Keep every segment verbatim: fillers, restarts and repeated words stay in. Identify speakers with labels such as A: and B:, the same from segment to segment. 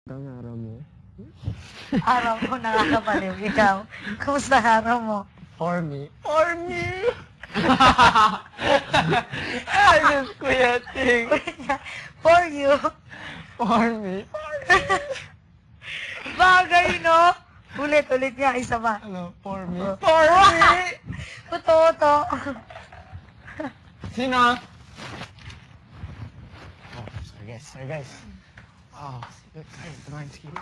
A: Ang araw mo?
B: Araw ko nakakabaliw. Ikaw, kumusta ang araw mo?
A: For me. For me! Ay, Diyos ko yating.
B: For you.
A: For me.
B: Bagay, no? Ulit, ulit nga, isa ba?
A: Ano, for me.
B: Oh.
A: For me!
B: Totoo to.
A: Sino? Oh, sorry guys, sorry guys. Oh, sorry, tumahin, sige.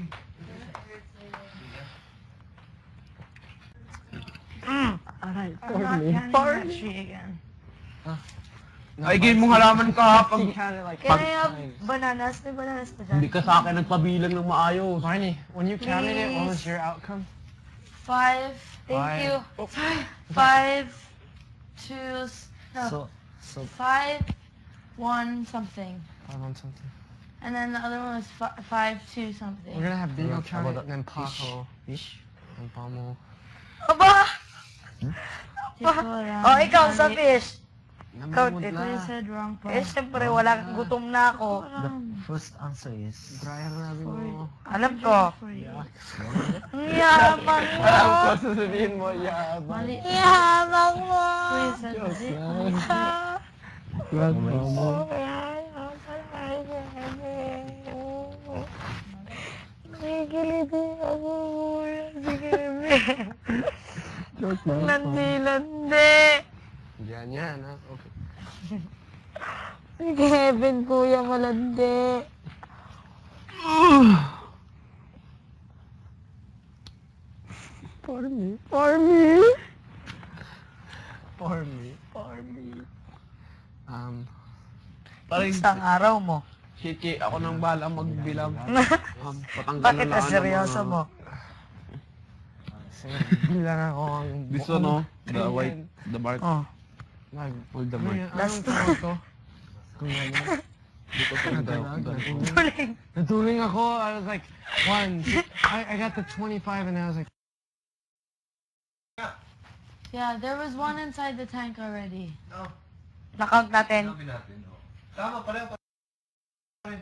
B: Mm.
A: Alright,
B: I'm
A: for
B: not
A: me.
B: counting
A: For
B: that
A: me.
B: tree again.
A: Huh?
C: Ay, game mong halaman ka pag
B: Can I have bananas? May bananas pa dyan?
C: hindi ka sa akin nagpabilang ng maayos.
A: Barney, when you counted it, what was
B: Please.
A: your outcome?
B: Five. Thank
A: Five.
B: you.
A: Oh.
B: Five. Two. s- No.
A: So, so,
B: Five. One something.
A: I want something.
B: And then the other one was fi- five two something.
A: We're gonna have Bingo
C: Yeah,
A: count
C: how
A: it,
C: about
A: and then
C: fish?
A: Paco.
C: Fish?
A: And Pamo.
B: Aba!
D: Di ko alam.
B: Oh, ikaw sa
D: Mali.
B: fish.
A: Namumod
B: Count it.
D: I
A: la.
D: said wrong pa.
B: Eh, syempre, wala, gutom na ako.
E: The first answer is
A: Brian Rabi mo.
B: Alam ko.
D: For you.
B: Ang yabang mo.
A: Alam ko, sasabihin mo, yabang.
D: Mali.
B: Yabang mo.
D: Kuya said mali.
A: Wag mo.
B: Nagigiliti ako. Sige, be.
A: Joke lang.
B: Landi-landi.
A: Yan, yan, ha? Okay.
B: Sige, Heaven, kuya, malandi.
A: For me. For me. For me. For me. Um,
C: Parang,
B: Isang araw mo.
C: Kiki, ako nang bala magbilang. Um, patanggal
B: Bakit
C: na
B: na
C: lang
B: seryoso
C: ng mga-
B: mo?
A: sige, bilang ako ang...
C: This one, no? The white, the bark.
B: Oh.
A: Nag...
C: Pull the
A: Ano
C: bark.
A: yan?
B: Last
A: Anong tawag to? Kung ganyan.
C: Dito ko yung
A: Nadalag,
C: the-
A: nadalag.
B: Tuling.
A: Natuling ako. I was like, one. I, I got the twenty-five and I was like,
D: Yeah, there was one inside the tank already.
B: Nakount natin.
F: Tama, pareho pa rin.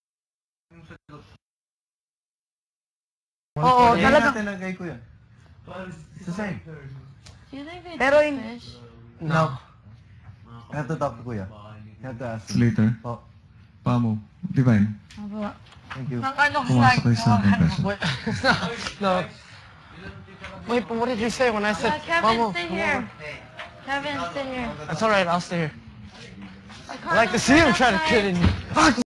B: Oo,
F: Yan
B: talaga.
F: natin lagay ko yan. It's the same.
D: Do you think they
B: Pero
D: took
B: in-
D: fish?
F: No. You have to talk to Kuya. You have to ask him.
G: Later.
F: Oh,
G: Pamo. Divine.
D: Aba.
F: thank you.
B: Nang ano ko
G: Pumasok kayo sa akin, Peso.
A: wait, no. Wait, but what did you say when I said,
D: Uh, Kevin,
A: Mamo,
D: stay
A: come
D: here.
A: over?
D: Kevin, stay here.
A: That's alright, I'll stay here.
D: I
A: I like to see him try to kid in you.